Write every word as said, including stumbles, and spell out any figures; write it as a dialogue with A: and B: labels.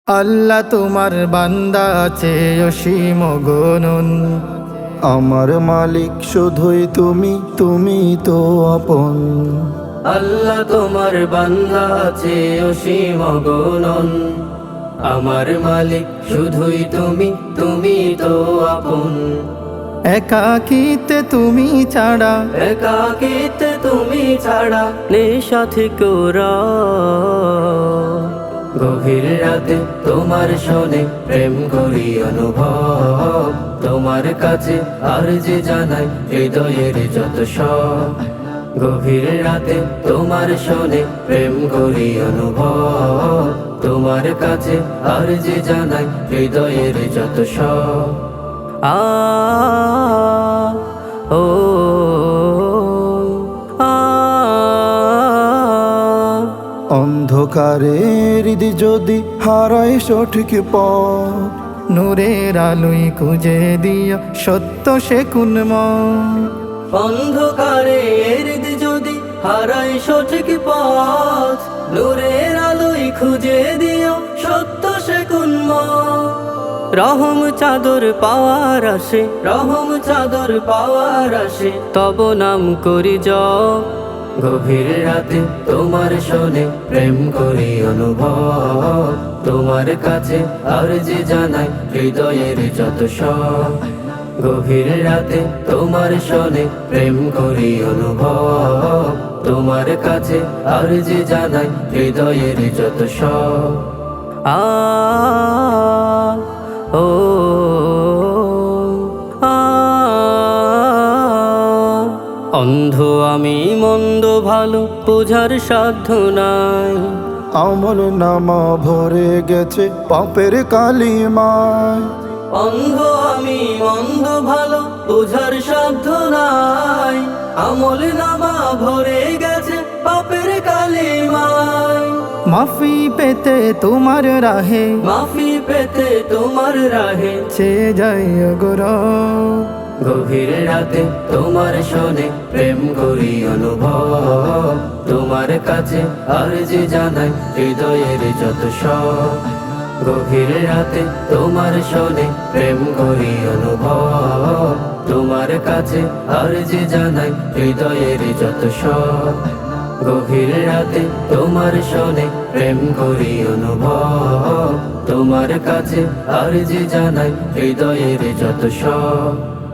A: আল্লাহ তোমার বান্দা আছে অসীম গণন।
B: আমার মালিক শুধুই তুমি, তুমি তো আপন।
C: আল্লাহ তোমার বান্দা আছে অসীম গণন। আমার মালিক শুধুই তুমি, তুমি তো আপন।
A: একাকিতে তুমি ছাড়া,
C: একাকিতে তুমি ছাড়া নেই সাথী কোরা। গভীর রাতে তোমার শোনে প্রেম করি অনুভব। তোমার কাছে আর যে জানাই হৃদয়ের যত সব। গভীর রাতে তোমার শোনে প্রেম করি অনুভব। তোমার কাছে আর যে জানাই হৃদয়ের যত সব। আ ও আ
B: অন্ধকারে হৃদি যদি হারায় সঠিক পথ,
A: নূরের আলোয় খুঁজে দিও সত্য সে কুনময়।
C: অন্ধকারে হৃদ যদি হারাই সঠিক পথ, নূরের আলোয় খুঁজে দিও সত্য সে কুনময়। রহম চাদর পাওয়ার আসে, রহম চাদর পাওয়ার আসে, তব নাম করি জপ। গভীর রাতে তোমার শোনে প্রেম করি অনুভব। তোমার কাছে আর যে জানাই হৃদয়ের যত সব। গভীর রাতে তোমার শোনে প্রেম করি অনুভব। তোমার কাছে আর যে জানাই হৃদয়ের যত সব। আ ও আ অন্ধ আমি মন্দ ভালো বোঝার সাধ্য নাই।
B: আমল নামা ভরে গেছে পাপের কালিমায়।
C: অন্ধ আমি মন্দ ভালো বোঝার সাধ্য নাই। আমল নামা ভরে গেছে পাপের কালিমায়।
A: মাফি পেতে তোমার রাহে,
C: মাফি পেতে তোমার রাহে
A: সে যায় গোর।
C: গভীর রাতে তোমার শোনে প্রেম করি অনুভব। তোমার কাছে আর যে জানাই হৃদয়ের যত সব। গভীর রাতে তোমার শোনে প্রেম করি অনুভব। তোমার কাছে আর যে জানাই হৃদয়ের যত সব। গভীর রাতে তোমার শোনে প্রেম করি অনুভব। তোমার কাছে আর যে জানাই হৃদয়ের যত সব।